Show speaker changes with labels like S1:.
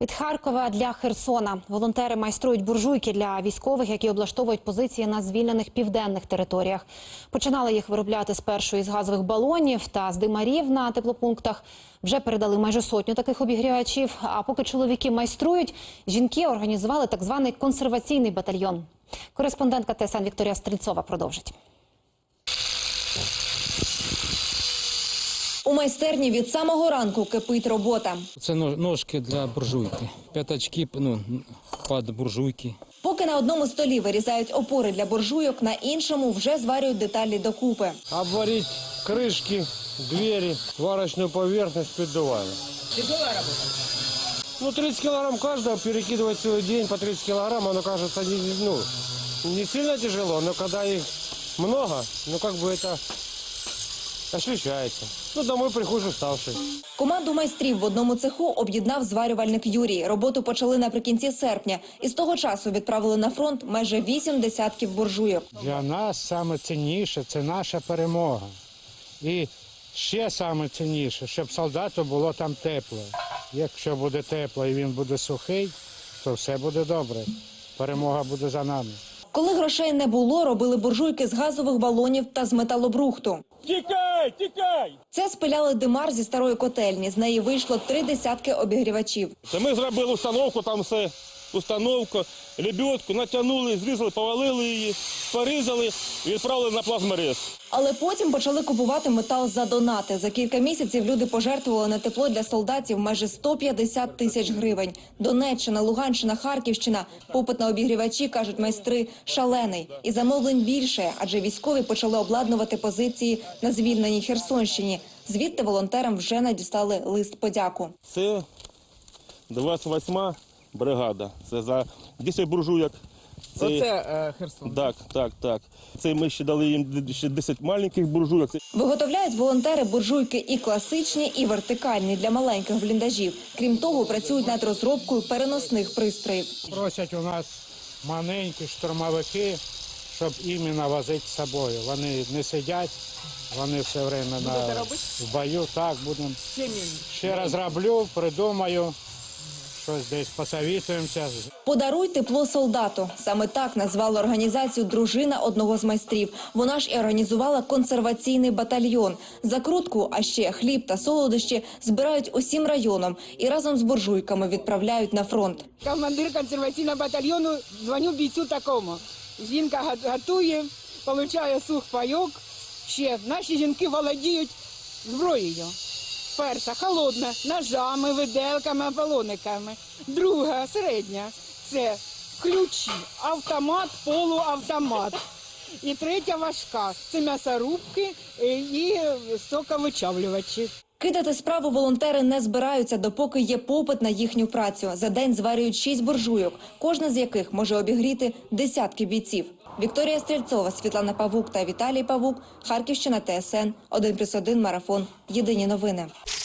S1: Від Харкова для Херсона. Волонтери майструють буржуйки для військових, які облаштовують позиції на звільнених південних територіях. Починали їх виробляти спершу із газових балонів та з димарів на теплопунктах. Вже передали майже 100 таких обігрівачів. А поки чоловіки майструють, жінки організували так званий консерваційний батальйон. Кореспондентка ТСН Вікторія Стрільцова продовжить.
S2: У майстерні від самого ранку кипить робота.
S3: Це ножки для буржуйки, п'ятачки під буржуйки.
S2: Поки на одному столі вирізають опори для буржуйок, на іншому вже зварюють деталі докупи.
S4: Обварить крышки, двери, варочную поверхность піддуваємо.
S2: Тяжелая робота?
S4: Ну, 30 килограмм каждого, перекидывать целый день по 30 килограмм, оно кажется не сильно тяжело, но когда их много, как бы это ощущается. Домой приходжу уставший.
S2: Команду майстрів в одному цеху об'єднав зварювальник Юрій. Роботу почали наприкінці серпня. І з того часу відправили на фронт майже 8 десятків буржуйок.
S5: Для нас саме цінніше – це наша перемога. І ще саме цінніше, щоб солдату було там тепло. Якщо буде тепло і він буде сухий, то все буде добре. Перемога буде за нами.
S2: Коли грошей не було, робили буржуйки з газових балонів та з металобрухту.
S4: Тікай, тікай!
S2: Це спиляли димар зі старої котельні. З неї вийшло 3 десятки обігрівачів.
S6: Ми зробили установку, там все, установку, лебедку, натягнули, зрізали, повалили її, порізали і відправили на плазморез.
S2: Але потім почали купувати метал за донати. За кілька місяців люди пожертвували на тепло для солдатів майже 150 тисяч гривень. Донеччина, Луганщина, Харківщина. Попит на обігрівачі, кажуть майстри, шалений. І замовлень більше, адже військові почали обладнувати позиції на звільненій Херсонщині. Звідти волонтерам вже надіслали лист подяку.
S6: Це 28-ма бригада. Це за 10 буржуйок.
S7: Оце Херсон.
S6: Так. Це ми ще дали їм ще 10 маленьких буржуйок.
S2: Виготовляють волонтери буржуйки і класичні, і вертикальні для маленьких бліндажів. Крім того, працюють над розробкою переносних пристроїв.
S5: Просять у нас маленькі штурмовики, щоб іменно возити з собою. Вони не сидять, вони все время в бою. Так, будемо. Ще раз роблю, придумаю. Щось десь посовітуємося.
S2: «Подаруй тепло солдату». Саме так назвала організацію дружина одного з майстрів. Вона ж і організувала консерваційний батальйон. Закрутку, а ще хліб та солодощі збирають усім районом і разом з буржуйками відправляють на фронт.
S7: Командир консерваційного батальйону, дзвоню бійцю такому. Жінка готує, отримує сухпайок. Ще наші жінки володіють зброєю. Перша – холодна, ножами, виделками, балониками. Друга – середня – це ключі, автомат, полуавтомат. І третя – важка – це м'ясорубки і соковичавлювачі.
S2: Кидати справу волонтери не збираються, допоки є попит на їхню працю. За день зварюють 6 буржуйок, кожна з яких може обігріти десятки бійців. Вікторія Стрільцова, Світлана Павук та Віталій Павук. Харківщина, ТСН 1+1 марафон. Єдині новини.